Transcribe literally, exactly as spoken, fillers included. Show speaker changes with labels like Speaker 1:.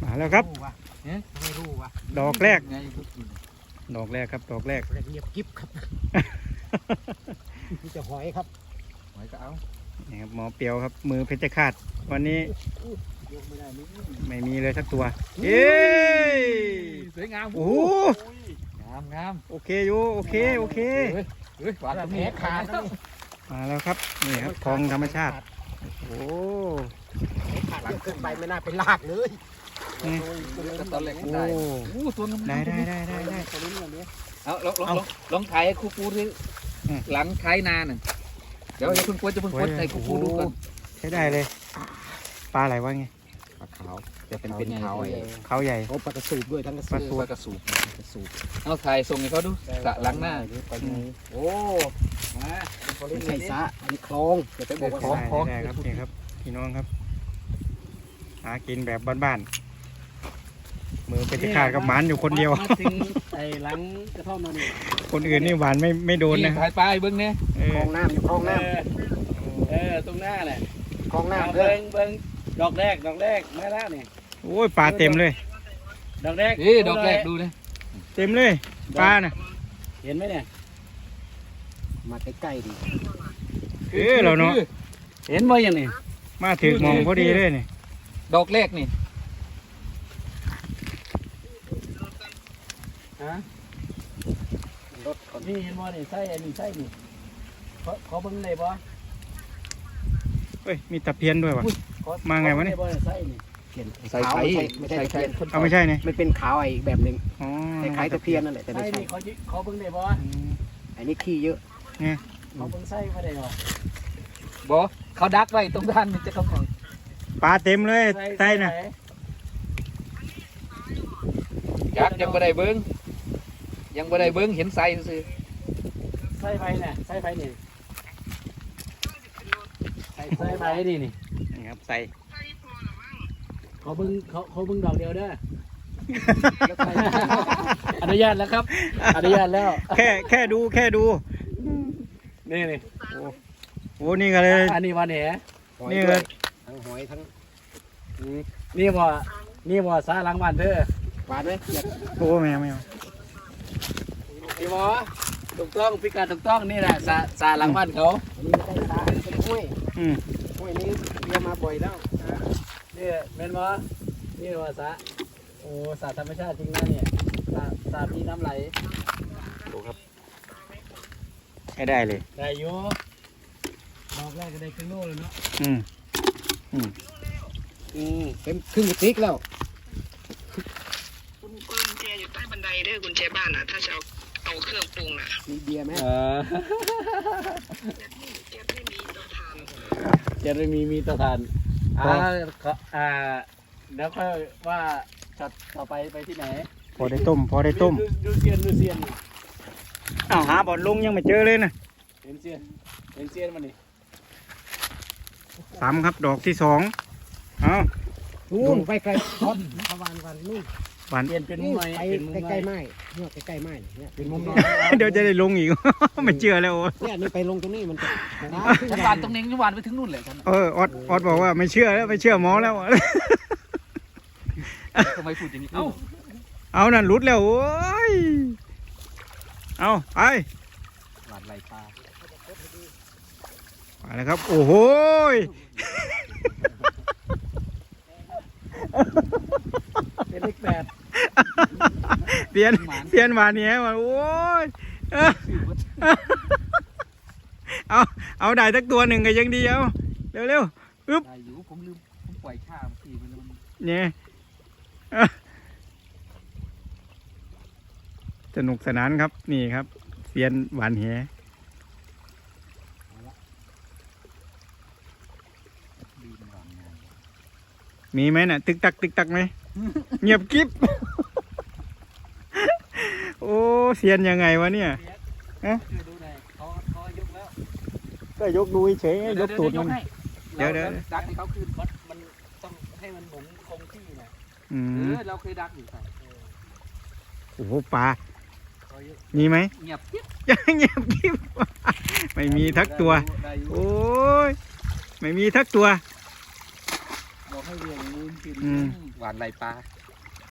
Speaker 1: มาแล้วครับ
Speaker 2: เนี่ยไม่รู้ว่ะ
Speaker 1: ดอกแรก
Speaker 2: ไง
Speaker 1: ดอกแรกครับดอกแรก
Speaker 2: เงียบกิ๊บครับนี่จะหอยครับหอยก็เอา
Speaker 1: นี่ครับหมอเปียวครับมือเพชรฆาตวันนี้
Speaker 2: ยกไม่ได้นี่
Speaker 1: ไม่มีเลยสักตัวเย้
Speaker 2: สวยงาม
Speaker 1: โอ้โห
Speaker 2: งามงาม
Speaker 1: โอเคอยู่โอเคโอเค
Speaker 2: เฮ้ยเฮ้ยหวานตรงนี้ขาดแล้ว
Speaker 1: มาแล้วครับนี่ครับคลองธรรมชาติโอ้
Speaker 2: ขาดเยอะเกินไปไม่น่าเป็นลากเลย
Speaker 1: นี่
Speaker 2: ตอนแรก
Speaker 1: โอ้
Speaker 2: ได้โอ้ตัวนึง
Speaker 1: ได้ได้ได้ได้ได้
Speaker 2: เอาลองลองลองลองถ่ายให้ครูปูดิหลังท้ายนาหนึ่งเดี๋ยวอย่าเพิ่งกดจะเพิ่งกดให้ครูปูดูก่อน
Speaker 1: ใช้ได้เลยปลาอะไรวะไง
Speaker 2: ปลาขาวจะเป็นเป็นขาวไอ้
Speaker 1: เขาใหญ่
Speaker 2: เขาปลากระสูบด้วยทั้งกระสูบ
Speaker 1: ปลาสูบ
Speaker 2: ปลากระสูบกระสูบเอาถ่ายส่งให้เขาดูสระหลังหน้าโอ้มาไม่ใช่สระมีคลองจะไปบอกว่า
Speaker 1: คลองคลองได้ครับนี่ครับพี่น้องครับหากินแบบบ้านๆมือเพชรฆาตกับหมานอยู่คนเดียว
Speaker 3: มาถึงไอ้หลังกระท่อมเรานี่
Speaker 1: คนอื่นนี่หวานไม่ไม่โดนนะ
Speaker 2: ถ่ายปลาเบิ้งเนี่ย
Speaker 1: เอ
Speaker 2: คล
Speaker 1: อ
Speaker 2: องน้ำอยู่คลองน้
Speaker 3: เออเออตรงหน้าแหละ
Speaker 2: ำคลองน้ำเด้
Speaker 3: เบิ้
Speaker 2: อง
Speaker 3: เบิ้งดอกแรกดอกแรกมาแล้วนี่
Speaker 1: โอ้ยปลาเต็มเลย
Speaker 3: ดอกแรก
Speaker 2: นี่ดอกแรกดูเลย
Speaker 1: เต็มเลยปลาน่ะ
Speaker 3: เห็นไหมเนี่ย
Speaker 2: มาใกล้ๆดิ
Speaker 1: เออเราเนาะ
Speaker 3: เห็นบ่ยังนี่
Speaker 1: มาถึงมองพอดีเลยนี่
Speaker 2: ดอกแรกนี่
Speaker 3: ฮะ
Speaker 2: รถก่อน
Speaker 3: นี่เห็นบ่นี่ไส้อันนี้ไส้นี่เขาเขาเบิ้งได้บ่
Speaker 1: เฮ้ยมีตะเพียนด้วยวะ
Speaker 3: เขา
Speaker 1: มาไงวะเนี่ย
Speaker 3: เขาบิ่ด้บ่ไส้นี่
Speaker 2: เขียนใส่ไข่ไม่ใช่ตะเพียน
Speaker 1: เอาไม่ใช่เนี่ย
Speaker 2: มันเป็นขาวไอ้แบบหนึ่ง
Speaker 1: อ๋อ
Speaker 2: คล้ายๆตะเพียนนั่นแหละแต่ไม่
Speaker 3: ไส้
Speaker 2: ใช่
Speaker 3: นี่เขาจิเขาเบิ้งได้บ่
Speaker 1: อืม
Speaker 2: อันนี้ขี้เยอะ
Speaker 3: เขาเบิ้งไส้มาได้หรอ
Speaker 2: บอเขาดักไว้ตรงด้านมันจะเข้าของ
Speaker 1: ปลาเต็มเลยไส้น่ะ
Speaker 2: ยักษ์ยังบ่ได้เบิ้งยังบ่ได้เบิ้งเห็นไส้ซื่อ
Speaker 3: ไส้ไฟเนี่ยไส้ไฟนี่ไส้ไส้ไฟนี่นี่
Speaker 1: นี่ครับใส่
Speaker 3: เขาเบิ้งเขาเขาเบิ้งดอกเดียวเด้อ อนุญาตแล้วครับ อนุญาตแล้ว
Speaker 1: แค่แค่ดูแค่ดู
Speaker 3: นี่นี่
Speaker 1: โอ้นี่ก็เลย
Speaker 3: อันนี้วันแหน
Speaker 2: หอย
Speaker 1: นี่
Speaker 2: ด้
Speaker 1: เล
Speaker 2: วย
Speaker 1: ย
Speaker 2: ทั้งหอยทั้ง
Speaker 3: นี่บ่นี่บ่สาหลังบ้านเธอ
Speaker 2: หวานไหมอยาก
Speaker 1: โอ้แมวแมว
Speaker 3: นี่บ่ถูกต้องพิกัดถูกต้องนี่แหละสาสาหลังบ้านเขา
Speaker 2: อันนี้ไม่ใช่ตาอันนี้เป็นห้วย
Speaker 1: อืม
Speaker 2: ห้วยนี้เรียกมาบ่อยแล้ว
Speaker 3: นี่เป็นบ่นี่บ่สาโอ้สาธรรมชาติจริงนะเนี่ยสาสามีน้ำไหล
Speaker 1: ดูครับใช้ได้เลย
Speaker 3: ได้อยู่ดอกแรกก็ได้ครึ่งโลเลยเนาะ
Speaker 1: อืม
Speaker 2: อืมเป็นครึ่งกระติกแล้ว
Speaker 4: กุญกุญแจอยู่ใต้บันไดเด้อกุญแจบ้านอ่ะ ถ้าจะเอาเอาเครื่องปรุงน่ะ
Speaker 2: มีเบียร์ไหม
Speaker 3: เออ
Speaker 4: แก๊สไม่มีเตาถ่าน
Speaker 3: จะได้มีมีเตาถ่านอ่าขออ่าเดี๋ยวค่อยว่าช็อตต่อไปไปที่ไหน
Speaker 1: พอได้ต้มพอได้ต้ม
Speaker 3: ดูดูเซียนดูเซียน
Speaker 1: อ้าวหาบอลลงยังไม่เจอเลยนะ
Speaker 3: เห็นเซียนเห็นเซียนมันนี่
Speaker 1: สามครับดอกที่สองเอา
Speaker 2: นู่นไปไกลทอดประวานวันนู่น
Speaker 1: หวาน
Speaker 3: เปลี่ยนเป็นมุม
Speaker 2: นี่
Speaker 3: ใหม่
Speaker 2: ไป
Speaker 3: เป็นมุม
Speaker 2: ใก
Speaker 3: ให
Speaker 2: ล้
Speaker 3: ม่
Speaker 2: ๆไม้เนี่ยใกล้ๆไม้เนี่ย
Speaker 3: เป็นมุมน้อย
Speaker 1: เดี๋ยวจะได้ลงอีก ไม่เชื่อแล้วโอ้ย
Speaker 2: เนี่ยนี่ไปลงตรงนี้มันจะ
Speaker 3: ฉันวานตรงนี้ฉันวานไปถึงนู่นเลยฉัน
Speaker 1: เออออดออดบอกว่าไม่เชื่อแล้วไม่เชื่อหมอแล้ว
Speaker 3: ทำไมพูดอย่างนี้เอ้า
Speaker 1: เอานั่นหลุดแล้วโอ้ยเอาไป
Speaker 3: หวานไหลปลา
Speaker 1: ไปแล้วครับโอ้โหย
Speaker 3: เป็นเลขแปด
Speaker 1: เปลี่ยนเปลี่ยนมาเนี้ยมาโอ้ยเออเอาเอาได้สักตัวหนึ่งก็ยังดีเอาเร็วเร็วๆอึ๊บ
Speaker 3: ได้อยู่ผมลืมผมปล่อยข้าเมื่อกี้ไปแล้วมัน
Speaker 1: เนี่ยเอ้อสนุกสนานครับนี่ครับเซียนหวานแหมีไหมน่ะ ตึกตักตึกตักไหม เงียบกิ๊บ โอ้เซียนยังไงวะเนี่ย
Speaker 3: ช่วยดูหน่อยเขาเขายกแล้ว
Speaker 1: ก็ยกดูเฉยๆยกตูดมัน เดี๋ยวเดี๋ยว
Speaker 3: ดักให้เขาคืนมันมันต้องให้มันเหมือนคงที่นะ
Speaker 1: อื
Speaker 3: เอ
Speaker 1: ม
Speaker 3: อเราเคยดักอยู่ใส่
Speaker 1: โอ้โหปลา
Speaker 3: เขายก
Speaker 1: มีไหม
Speaker 3: เงียบกิ๊บ
Speaker 1: เงียบกิ๊บ ไม่มีทักตัว
Speaker 3: ได้อยู่
Speaker 1: โอ้ยไม่มีทักตัว
Speaker 3: บอกให้เรียงงูกิน
Speaker 1: อืม
Speaker 3: เ
Speaker 2: หวานไรปลา